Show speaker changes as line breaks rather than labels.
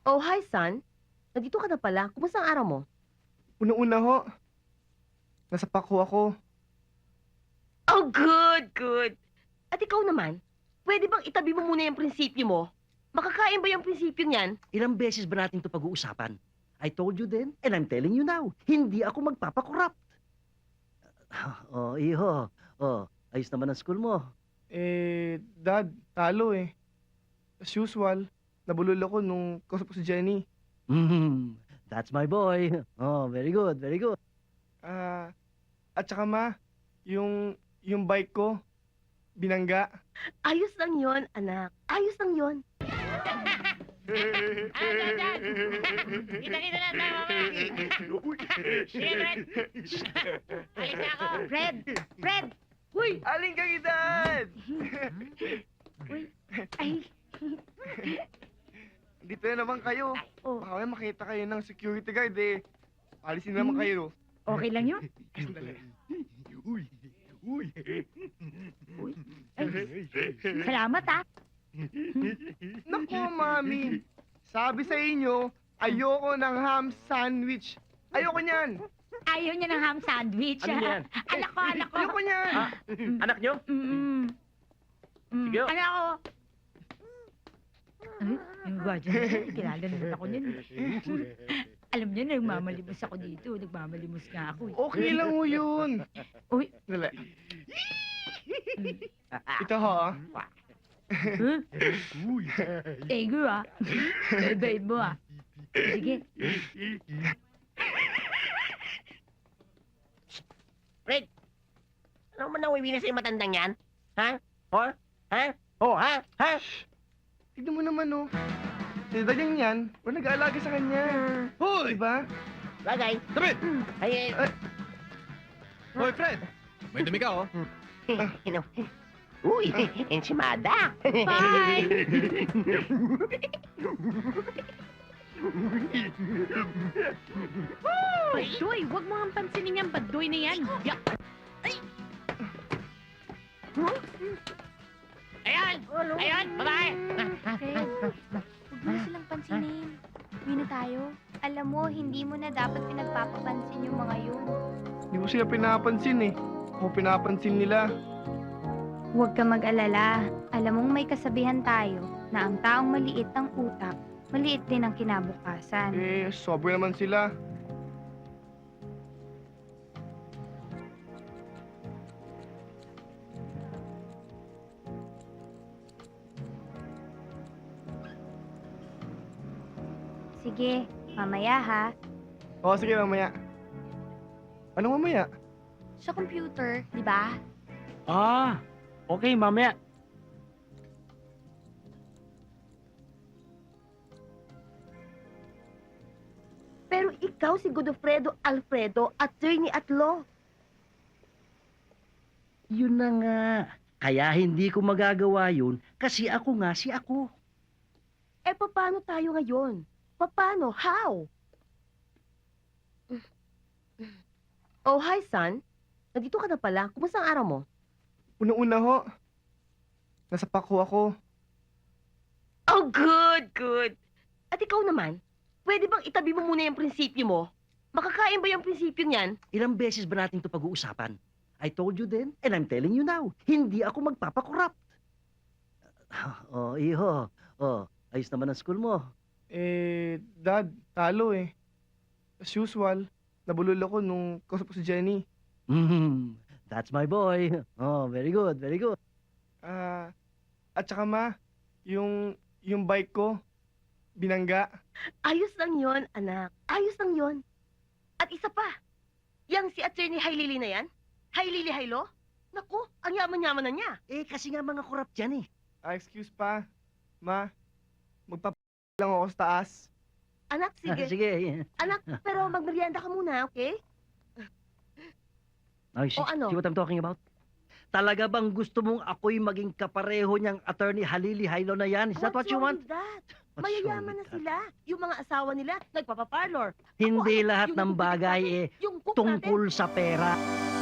Oh, hi, son. Nandito ka na pala. Kumusta ang araw mo?
Una-una ho, nasa Paco ako.
Oh, good, good. At ikaw naman, pwede bang itabi mo muna yung prinsipyo mo? Makakain ba yung prinsipyo niyan?
Ilang beses ba natin ito pag-uusapan? I told you then, and I'm telling you now, hindi ako magpapakorrupt. Oh, iho. Oh, ayos naman ang school mo.
Dad, talo eh. As usual, nabulol ako nung kausap ko si Jenny.
That's my boy. Oh, very good, very good.
At saka ma, yung bike ko, binangga.
Ayos lang yon, anak. Ayos lang yon.
Kita-kita na tayo mamaya. Sige, Fred. Alis na ako.
Fred! Fred!
Uy, aling kang edad!
Uy, ay,
Dito na naman kayo.
oh.
Baka may makita kayo ng security guard eh. Alisin naman kayo.
Okay lang yun? Salamat, ah.
Naku, mami. Sabi sa inyo, ayoko ng ham sandwich. Ayoko niyan.
Ayaw niya ng ham sandwich.
Ano yan?
Anak ko, anak ko.
Ayoko niyan.
Anak nyo? Sige.
Anak ko. Ay, yung gwadyo na yun. Kilala naman ako niyan. Alam niyo, nagmamalimos ako dito. Nagmamalimos nga ako.
Okay lang ho yun.
Uy.
Dali. Ito ho.
Huh? Thank you, ah. Bait mo, ah. Sige.
Fred! Ano man nawiwi na sa'yo matandang yan? Ha? Oh? Ha? Oh, ha? Ha?
Tignan mo naman oh. Si Danyang yan, wala nag-aalaga sa kanya.
Hoy!
Diba?
Bagay.
Tabi!
Ay,
Hoy, Fred! May dumi ka, oh.
Ano? Uy, enchimada.
Bye! Badoy, huwag mo ang pansinin yung badoy na yan. Yak! Ayan! Ayan, babae!
Fred, huwag mo na silang pansinin. Uwi na tayo. Alam mo, hindi mo na dapat pinagpapapansin yung mga yun.
Hindi ko sila pinapansin eh. Ako pinapansin nila.
Huwag ka mag-alala. Alam mong may kasabihan tayo na ang taong maliit ang utak, maliit din ang kinabukasan.
Sobra naman sila.
Sige, mamaya ha.
O, sige mamaya. Anong mamaya?
Sa computer, di ba?
Ah, okay, mamaya.
Pero ikaw si Godofredo Alfredo, attorney at law.
Yun na nga. Kaya hindi ko magagawa yun kasi ako nga si ako.
Eh, paano tayo ngayon? Paano? How? Oh, hi, son. Nandito ka na pala. Kumusta ang araw mo?
Una-una ho, nasa Paco ako.
Oh, good, good. At ikaw naman, pwede bang itabi mo muna yung prinsipyo mo? Makakain ba yung prinsipyo niyan?
Ilang beses ba natin ito pag-uusapan? I told you then, and I'm telling you now, hindi ako magpapakorrupt. Oh, iho. Oh, ayos naman ang school mo.
Dad, talo eh. As usual, nabulol ako nung kausap ko si Jenny.
That's my boy. Oh, very good, very good.
At saka ma, yung bike ko, binangga.
Ayos lang yon, anak. Ayos lang yon. At isa pa, yang si attorney Hailili na yan? Hailili Hailo? Naku, ang yaman-yaman na niya.
Eh, kasi nga mga korrupt yan eh.
Excuse pa, ma, lang ako sa taas.
Anak, sige.
Sige.
Anak, pero magmerienda ka muna, okay?
Oh, see,
O ano?
see what I'm talking about? Talaga bang gusto mong ako'y maging kapareho niyang attorney Halili Hailo na yan? Is that what you
wrong
want?
with that?
What's wrong
Mayayaman na
with that?
sila. Yung mga asawa nila, nagpapaparlor.
Hindi
Ako,
lahat
yung
ng
bubibili
bagay
natin,
eh
yung cook
tungkol sa pera.